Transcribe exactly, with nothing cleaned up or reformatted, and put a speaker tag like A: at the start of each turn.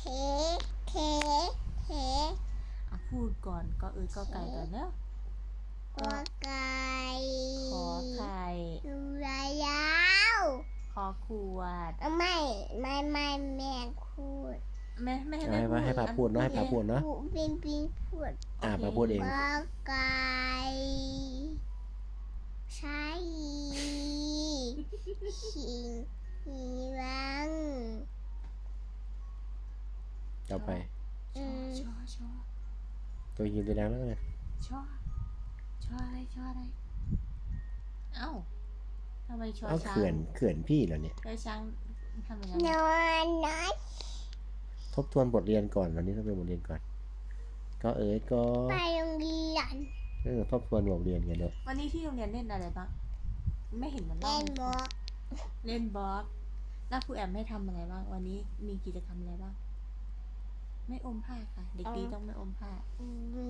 A: เทเทเท
B: อ่ะพูดก่อนก็เอ้ยก็ไก่ก่อนเนอะ
A: กอไก่
B: ขอไข่
A: ดูยายาว
B: ขอขวด
A: ไม่ไม่ไม่แม่พูด
B: ไม่ไม่ให้
C: เอา
B: แม่
C: ให้
B: พูด
C: ให้พาพูดเนาะให้พาพูดเนาะ
A: ปิงปิงพูด
C: อ่า
B: โอเค
C: พาพูดเอง
A: กอไก่ใช่หิงหิรัง
C: ต่อไป
B: ชอชอชอ
C: ตัวยิงตัวดังแล้วไง
B: ชอชออะไรชออะไรเอ้าทำไมชอ
C: เอา
B: ช้าง
C: เขื่อนเขื่อนพี่เหรอเนี่ย
B: ชอช้างทำยังไง
A: นอนนอน
C: ทบทวนบทเรียนก่อนวันนี้ต้องเป็นบทเรียนก่อน ก็เอ๋ยก็
A: ไปโรงเรียน
C: เออทบทวนบทเรียนกันเด้อ
B: วันนี้ที่โรงเรียนเล่นอะไรบ้างไม่เห็นมัน
A: เล่
B: เล่าน ให้
A: บ
B: ฟั
A: อง ก
B: เล่นบอสแล้วครูแอมให้ทำอะไรบ้างวันนี้มีกิจกรรมอะไรบ้างไม่อมผ้าค่ะ เด็กดีต้องไม่อมผ้า
A: อืม